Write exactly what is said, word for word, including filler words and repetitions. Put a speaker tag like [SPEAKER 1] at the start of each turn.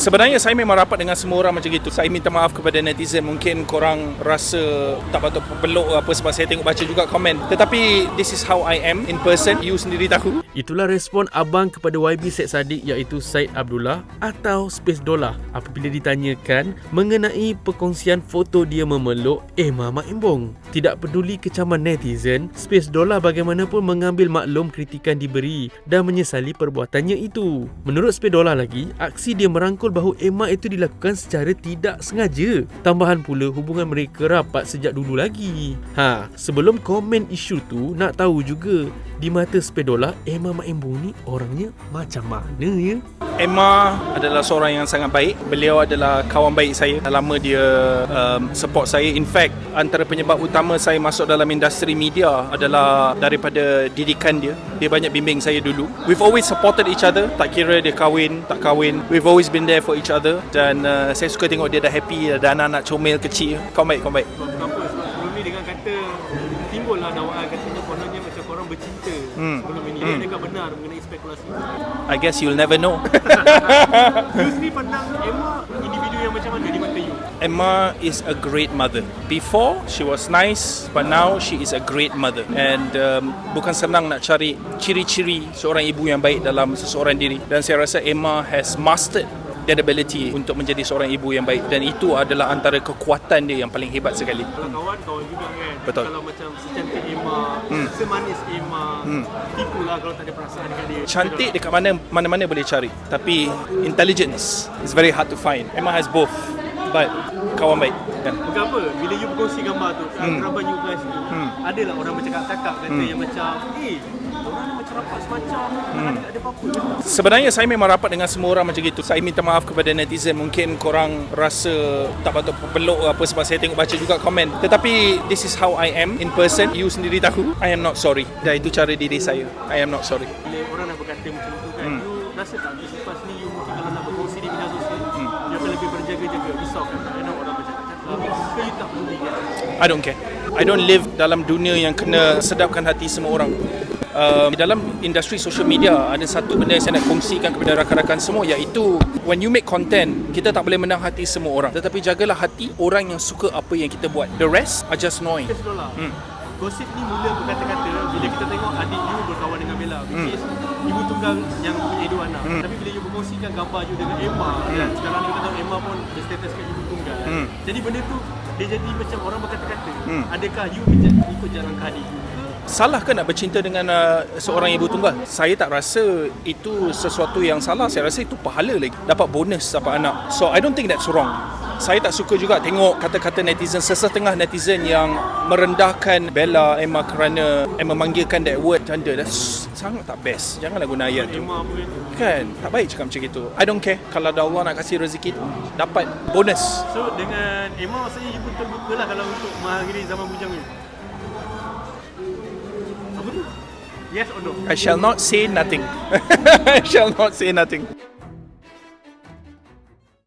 [SPEAKER 1] Sebenarnya saya memang rapat dengan semua orang macam gitu. Saya minta maaf kepada netizen. Mungkin korang rasa tak patut peluk apa sebab saya tengok baca juga komen. Tetapi this is how I am in person. You sendiri tahu.
[SPEAKER 2] Itulah respon abang kepada Y B Syed Saddiq iaitu Syed Abdullah atau Space Dollah apabila ditanyakan mengenai perkongsian foto dia memeluk Emma Mak Embong. Tidak peduli kecaman netizen, Space Dollah bagaimanapun mengambil maklum kritikan diberi dan menyesali perbuatannya itu. Menurut Space Dollah lagi, aksi dia merangkul bahu Emma itu dilakukan secara tidak sengaja. Tambahan pula hubungan mereka rapat sejak dulu lagi. Ha, sebelum komen isu tu, nak tahu juga di mata Space Dollah, Emma Mak Embong ni orangnya macam mana ya?
[SPEAKER 1] Emma adalah seorang yang sangat baik. Beliau adalah kawan baik saya. Lama dia um, support saya. In fact, antara penyebab utama saya masuk dalam industri media adalah daripada didikan dia. Dia banyak bimbing saya dulu. We've always supported each other. Tak kira dia kahwin, tak kahwin. We've always been there for each other. Dan uh, saya suka tengok dia dah happy. Ada anak-anak comel kecil. Kau baik, kau baik.
[SPEAKER 3] Kenapa? Sebab sebelum ni dengan kata timbul lah dakwaan katanya kononnya macam korang bercinta hmm. sebelum ini. Hmm. Adakah benar mengenai spekulasi itu?
[SPEAKER 1] I guess you'll never know.
[SPEAKER 3] You sendiri pandang Emma individu yang macam mana di mata you?
[SPEAKER 1] Emma is a great mother. Before, she was nice, but now she is a great mother. And um, bukan senang nak cari ciri-ciri seorang ibu yang baik dalam seseorang diri. Dan saya rasa Emma has mastered that ability untuk menjadi seorang ibu yang baik. Dan itu adalah antara kekuatan dia yang paling hebat sekali.
[SPEAKER 3] Kalau kawan, kawan juga kan.
[SPEAKER 1] Betul.
[SPEAKER 3] Kalau macam secantik Emma, hmm. semanis Emma, hmm. tipulah kalau tak ada perasaan dekat dia.
[SPEAKER 1] Cantik dekat mana, mana-mana boleh cari. Tapi intelligence is very hard to find. Emma has both. But kawan baik. Yeah.
[SPEAKER 3] Bukan apa, bila you berkongsi gambar tu, hmm. kerabat you guys tu, hmm. adalah orang bercakap-cakap kata hmm. yang macam, eh, orang ni macam rapat semacam, hmm. ada, ada apa-apa ke?
[SPEAKER 1] Sebenarnya saya memang rapat dengan semua orang macam gitu. Saya minta maaf kepada netizen. Mungkin korang rasa tak patut peluk apa sebab saya tengok baca juga komen. Tetapi this is how I am in person. You sendiri tahu. I am not sorry. Dan itu cara diri saya. I am not sorry.
[SPEAKER 3] Bila orang nak berkata macam tu kan, hmm. you rasa tak selepas ni you mungkin kalau nak berkongsi di media sosial, hmm. you akan lebih berjaga-jaga, risau kan? Ada orang bercakap-cakap, ke you tak peduli kan?
[SPEAKER 1] I don't care. I don't live dalam dunia yang kena sedapkan hati semua orang. Uh, dalam industri social media ada satu benda yang saya nak kongsikan kepada rakan-rakan semua, iaitu when you make content, kita tak boleh menang hati semua orang, tetapi jagalah hati orang yang suka apa yang kita buat. The rest are just noise.
[SPEAKER 3] Hmm. Gosip ni mula berkata-kata bila kita tengok adik you berkawan dengan Bella, which hmm. is ibu tunggal yang punya dua anak. Hmm. Tapi bila you berkongsikan gambar you dengan Emma, hmm. dan sekarang ni kita tahu Emma pun berstatuskan ibu tunggal. Hmm. Jadi benda tu dia jadi macam orang berkata-kata. Hmm. Adakah you ikut jalan ke adik you?
[SPEAKER 1] Salah ke nak bercinta dengan uh, seorang ibu tunggal? Saya tak rasa itu sesuatu yang salah. Saya rasa itu pahala lagi. Dapat bonus dapat anak. So I don't think that's wrong. Saya tak suka juga tengok kata-kata netizen, sesetengah netizen yang merendahkan Bella, Emma kerana Emma memanggilkan that word janda. That's sangat tak best. Janganlah guna ayat tu. Kan? Tak baik cakap macam itu. I don't care. Kalau ada Allah nak kasih rezeki, dapat bonus.
[SPEAKER 3] So dengan Emma maksudnya you pun terbuka lah kalau untuk mengakhiri zaman bujang ni. Apa tu? Yes or no?
[SPEAKER 1] I shall not say nothing. I shall not say nothing.